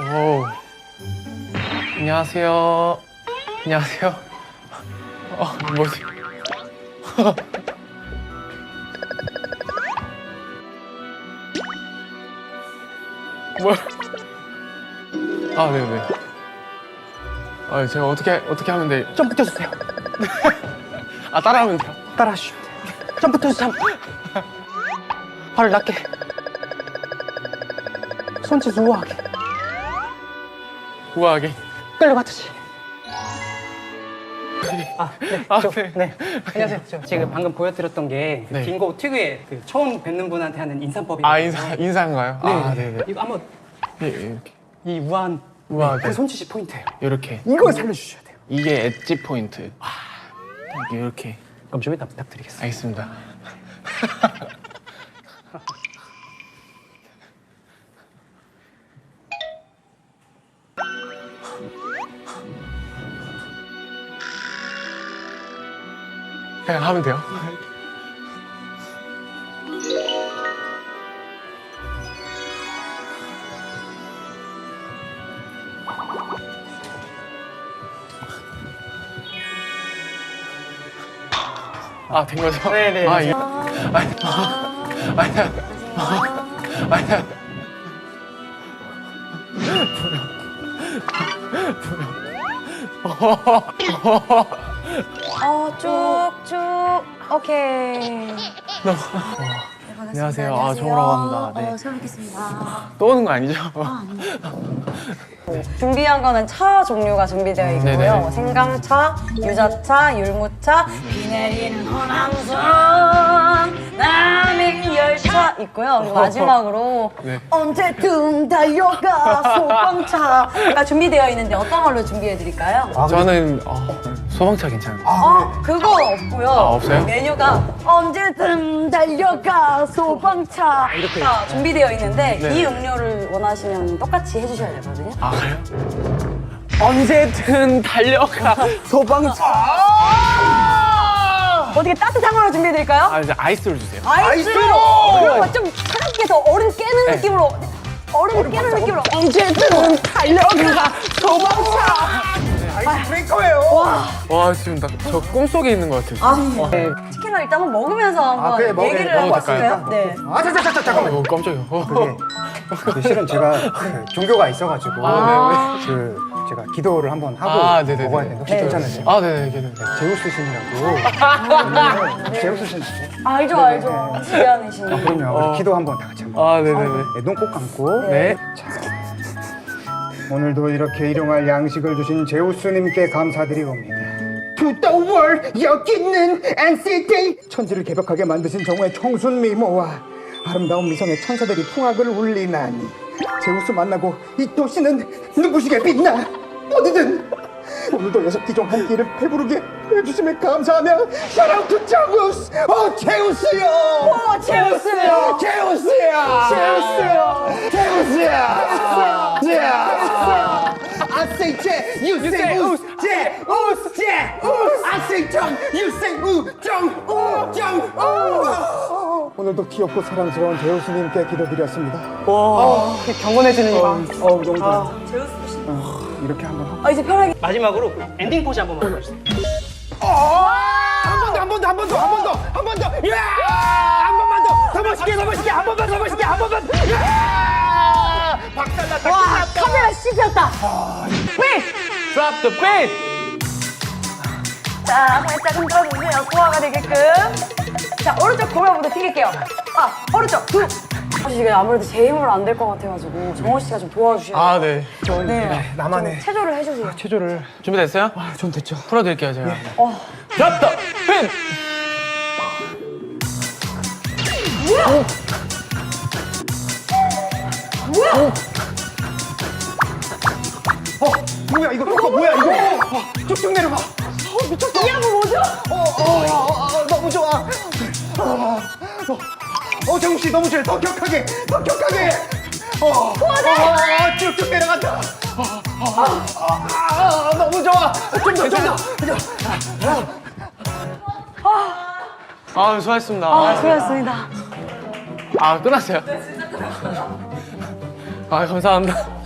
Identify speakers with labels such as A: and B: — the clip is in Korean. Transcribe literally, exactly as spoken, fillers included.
A: 오. 안녕하세요. 안녕하세요. 어, 뭐지? 뭘? 아, 네네. 아, 제가 어떻게 어떻게 하면 돼?
B: 점프 뛰어주세요.
A: 아, 따라하면 돼요?
B: 따라하시면 돼요. 점프 뛰어주세요. 발을 낮게. 손짓 우아하게.
A: 우아하게.
B: 끌려갔듯이. 아, 네.
A: 아,
B: 저,
A: 네.
B: 네. 안녕하세요. 저 지금 방금 보여드렸던 게
A: 네.
B: 빙고 특유의 그 처음 뵙는 분한테 하는 인사법이에요.
A: 아, 인사 인사인가요?
B: 네.
A: 아, 네네.
B: 이거 한번
A: 예, 이렇게.
B: 이 우아한
A: 우아하게.
B: 그 손짓이 포인트예요.
A: 이렇게.
B: 이걸 살려주셔야 돼요.
A: 이게 엣지 포인트. 아, 이렇게.
B: 그럼 좀 이따 부탁드리겠습니다.
A: 알겠습니다. 그냥 하면 돼요? 아, 된 거죠?
B: 네네.
A: 아, 예. 아니, 아니야. 아니야.
C: 어, 쭉쭉. 오케이.
A: 너무.
C: 네, 반갑습니다.
A: 안녕하세요. 아, 정우라고 합니다. 네.
C: 어, 처음 뵙겠습니다.
A: 또 오는 거 아니죠?
C: 준비한 거는 차 종류가 준비되어 있고요.
A: 네네.
C: 생강차, 유자차, 율무차, 비 내리는 호남선, 남행열차 있고요. 그리고 마지막으로
A: 네.
C: 언제든 달려가 소방차가 준비되어 있는데 어떤 걸로 준비해 드릴까요?
A: 저는 어, 소방차 괜찮아요.
C: 어, 그거 없고요.
A: 아, 없어요?
C: 메뉴가 언제든 달려가 소방차 이렇게 준비되어 있는데
A: 네.
C: 이 음료를 원하시면 똑같이 해주셔야 되거든요.
A: 아, 그래요? 언제든 달려가 소방차.
C: 어떻게 따뜻한 걸로 준비해 드릴까요?
A: 아, 이제 아이스를 주세요.
C: 아이스로! 그리고 좀 차갑게 해서 얼음 깨는
A: 네.
C: 느낌으로 얼음 깨는 느낌으로 언제든 달려가 소방차!
A: 와, 지금 나 저 꿈속에 있는 것 같아요.
C: 아, 네. 치킨을 일단 한번 먹으면서 한번
D: 그래, 먹-
C: 얘기를
A: 먹어도
C: 해볼까요? 네.
D: 아, 자, 자, 자, 자, 잠깐만.
A: 어, 깜짝이야. 어.
D: 그게 그 실은 제가 그 종교가 있어가지고
C: 아.
D: 그 제가 기도를 한번 하고
A: 아, 네네네.
D: 먹어야 되는데 혹시
C: 네.
D: 괜찮으세요?
A: 아, 네네, 괜찮아요.
D: 제우스 신이라고. 제우스 신 아세요?
C: 알죠, 알죠. 지배하시는.
D: 아, 그럼요. 우리
A: 어.
D: 기도 한번 다 같이 한번.
A: 아, 네네네.
D: 네, 눈 꼭 감고.
A: 네.
D: 자, 오늘도 이렇게 일용할 양식을 주신 제우스님께 감사드리옵니다. To the world, 여기 있는 엔시티 천지를 개벽하게 만드신 정오의 청순 미모와 아름다운 미성의 천사들이 풍악을 울리나니 제우스 만나고 이 도시는 눈부시게 빛나. 어디든 오늘도 여섯 기종 한 끼를 배부르게 해주심에 감사하며 사랑 투 제우스. 어 제우스요.
C: 어, 제우스요.
D: 제우스야! 제우스야! 제우스야! 제우스야! I say 제, you say 우스, 제, 우스, 제, 우스! I say 정, you say 우, 정, 우, 정, 우! 오늘도 귀엽고 사랑스러운 제우스님께 기도드렸습니다.
B: 와, 경건해지는 거.
D: 어우, 너무 좋아.
C: 제우스 씨.
D: 이렇게 한번 하고.
C: 아, 이제 편하게.
B: 마지막으로 엔딩 포즈 한 번만 보여주세요.
D: 한 번 더, 한 번 더, 한 번 더, 한 번 더, 한 번 더! 야! 한 번만 더! 더 멋있게, 더 멋있게! 한 번만 더 멋있게! 한 번만 더! 야! 박살났다!
C: 와,
D: 끝났다!
C: 카메라 씹혔다. 삐!
A: Drop the beat.
C: 자, 살짝 흔들어주세요. 소화가 되게끔. 자, 오른쪽 고명부터 튀길게요. 아, 오른쪽. 둘. 사실 이게 아무래도 제 힘으로 안 될 것 같아가지고 정호 씨가 좀 도와주셔야 돼요.
A: 아, 네.
C: 네.
D: 나만의
C: 체조를 해주세요.
D: 체조를.
A: 준비됐어요?
D: 아, 전 됐죠.
A: 풀어드릴게요, 제가.
C: 어.
A: Drop the beat.
C: 뭐야?
D: 어, 뭐야, 이거, 이거 뭐야, 이거? 어, 쭉쭉 내려가. 어, 미쳤어.
C: 이 양은 뭐죠?
D: 어, 어, 어, 어, 너무 좋아. 어, 어, 어, 정우 씨 너무 좋아. 더 격하게, 더 격하게. 어, 어, 어, 쭉쭉 내려간다. 어, 어, 어, 아, 너무 좋아. 좀 더, 좀 더.
A: 아, 수고하셨습니다.
C: 아, 수고하셨습니다.
A: 아, 끝났어요? 아, 감사합니다.